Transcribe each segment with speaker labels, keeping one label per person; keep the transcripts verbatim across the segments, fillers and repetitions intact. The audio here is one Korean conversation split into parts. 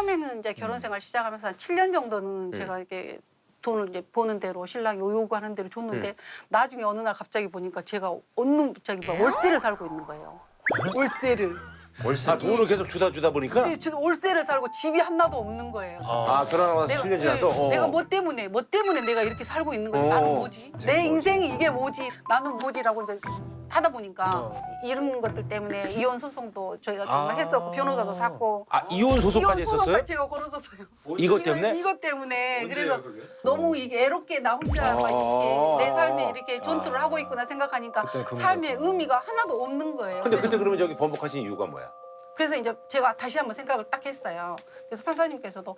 Speaker 1: 처음에는 이제 결혼 생활 시작하면서 한 칠 년 정도는 제가 이렇게 돈을 이제 버는 대로 신랑이 요구하는 대로 줬는데
Speaker 2: 음.
Speaker 1: 나중에 어느 날 갑자기 보니까 제가 어느 저기 뭐 월세를 살고 있는 거예요. 월세를.
Speaker 2: 월세.
Speaker 3: 아 돈을 계속 주다 주다 보니까
Speaker 1: 근데 저 월세를 살고 집이 하나도 없는 거예요.
Speaker 3: 아 결혼하고 나서 칠 년 지나서
Speaker 1: 네,
Speaker 3: 어.
Speaker 1: 내가 뭐 때문에 뭐 때문에 내가 이렇게 살고 있는 거야.
Speaker 3: 어.
Speaker 1: 나는 뭐지? 내 인생이 이게 뭐지? 나는 뭐지라고 이제 하다 보니까 이런 것들 때문에 이혼 소송도 저희가 좀
Speaker 2: 아.
Speaker 1: 했었고 변호사도 샀고
Speaker 3: 아 이혼 소송까지
Speaker 1: 이혼 소송까지
Speaker 3: 했었어요?
Speaker 1: 제가 걸어줬어요.
Speaker 3: 이것 때문에?
Speaker 1: 이것 때문에 그래서 너무 이게 애롭게 나 혼자 막 이렇게 내 삶에 이렇게 전투를 하고 있구나 생각하니까
Speaker 2: 그때는 그
Speaker 1: 삶에 의미가 하나도 없는 거예요.
Speaker 3: 근데
Speaker 1: 그래서
Speaker 3: 그때 그러면 저기 번복하신 이유가 뭐야?
Speaker 1: 그래서 이제 제가 다시 한번 생각을 딱 했어요. 그래서 판사님께서도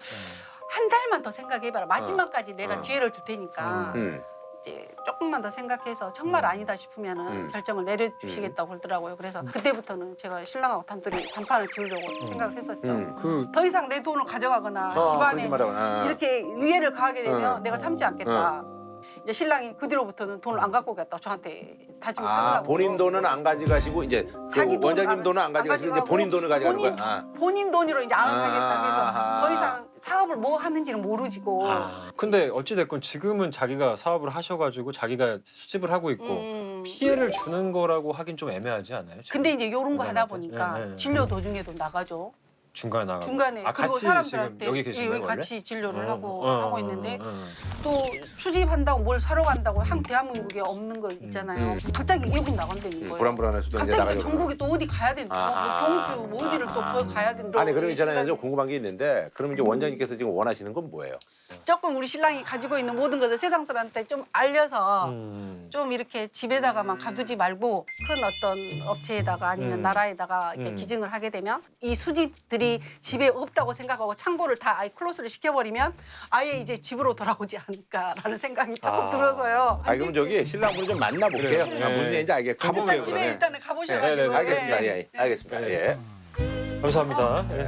Speaker 1: 한 달만 더 생각해봐라. 마지막까지 내가 기회를 줄 테니까
Speaker 3: 음.
Speaker 1: 이제 조금만 더 생각해서 정말 아니다 싶으면은
Speaker 3: 음.
Speaker 1: 결정을 내려주시겠다고 그러더라고요. 그래서 그때부터는 제가 신랑하고 단둘이 단판을 지으려고 생각을 했었죠.
Speaker 3: 음.
Speaker 2: 그
Speaker 1: 더 이상 내 돈을 가져가거나
Speaker 3: 어,
Speaker 1: 집안에
Speaker 3: 그러지 마라. 아.
Speaker 1: 이렇게 위해를 가하게 되면
Speaker 3: 어.
Speaker 1: 내가 참지 않겠다. 이제 신랑이 그 뒤로부터는 돈을 안 갖고 오겠다 저한테 다짐을
Speaker 3: 아
Speaker 1: 하더라고요.
Speaker 3: 본인 돈은 안 가져가시고 이제
Speaker 1: 자기
Speaker 3: 그 원장님
Speaker 1: 안-
Speaker 3: 돈은 안
Speaker 1: 안
Speaker 3: 가져가시고 이제
Speaker 1: 가져가고
Speaker 3: 본인 돈을 가져가는
Speaker 1: 본인,
Speaker 3: 거야. 아.
Speaker 1: 본인 돈으로 이제 안
Speaker 3: 아.
Speaker 1: 하겠다. 그래서 더 이상 사업을 뭐 하는지는 모르지고.
Speaker 2: 아, 근데 어찌됐건 지금은 자기가 사업을 하셔가지고 자기가 수집을 하고 있고
Speaker 1: 음.
Speaker 2: 피해를 주는 거라고 하긴 좀 애매하지 않아요? 지금?
Speaker 1: 근데 이제 이런 거 하다
Speaker 2: 원장님한테?
Speaker 1: 보니까
Speaker 2: 네, 네.
Speaker 1: 진료 도중에도 나가죠.
Speaker 2: 중간에 나가
Speaker 1: 중간에
Speaker 2: 아,
Speaker 1: 그리고
Speaker 2: 같이
Speaker 1: 사람들한테
Speaker 2: 지금 여기 계신
Speaker 1: 예,
Speaker 2: 거예요
Speaker 1: 여기
Speaker 2: 원래?
Speaker 1: 같이 진료를
Speaker 2: 어,
Speaker 1: 하고
Speaker 2: 어,
Speaker 1: 하고
Speaker 2: 어,
Speaker 1: 있는데
Speaker 2: 어, 어.
Speaker 1: 또 수집한다고 뭘 사러 간다고 한 대한민국에 없는 거 있잖아요.
Speaker 2: 음.
Speaker 1: 갑자기 여기 나간다는 거예요.
Speaker 3: 불안불안해서 또 이제
Speaker 1: 갑자기 또
Speaker 3: 나가려고.
Speaker 1: 전국에 또 어디 가야 되는
Speaker 3: 아하.
Speaker 1: 뭐 경주 뭐 어디를 또 거기 가야 되는
Speaker 3: 아니 그럼 있잖아요.
Speaker 1: 신랑이.
Speaker 3: 좀 궁금한 게 있는데 그럼 이제 원장님께서 지금 원하시는 건 뭐예요?
Speaker 1: 조금 우리 신랑이 가지고 있는 모든 것을 세상 사람한테 좀 알려서
Speaker 2: 음.
Speaker 1: 좀 이렇게 집에다가만 가두지 말고 큰 어떤 업체에다가 아니면
Speaker 2: 음.
Speaker 1: 나라에다가 이렇게
Speaker 2: 음.
Speaker 1: 기증을 하게 되면 이 수집들이 집에 없다고 생각하고 창고를 다 아예 클로스를 시켜버리면 아예 이제 집으로 돌아오지 않을까라는 생각이 조금
Speaker 2: 아.
Speaker 1: 들어서요.
Speaker 3: 아 그럼 저기 신랑분을 좀 만나볼게요.
Speaker 2: 그래요.
Speaker 3: 아, 무슨
Speaker 2: 예.
Speaker 3: 얘기인지 알겠고.
Speaker 2: 가보게요,
Speaker 1: 일단 집에
Speaker 2: 그러면.
Speaker 1: 일단은 가보셔가지고
Speaker 2: 네, 네, 네.
Speaker 3: 알겠습니다.
Speaker 1: 예.
Speaker 3: 예, 알겠습니다. 예.
Speaker 2: 감사합니다. 예.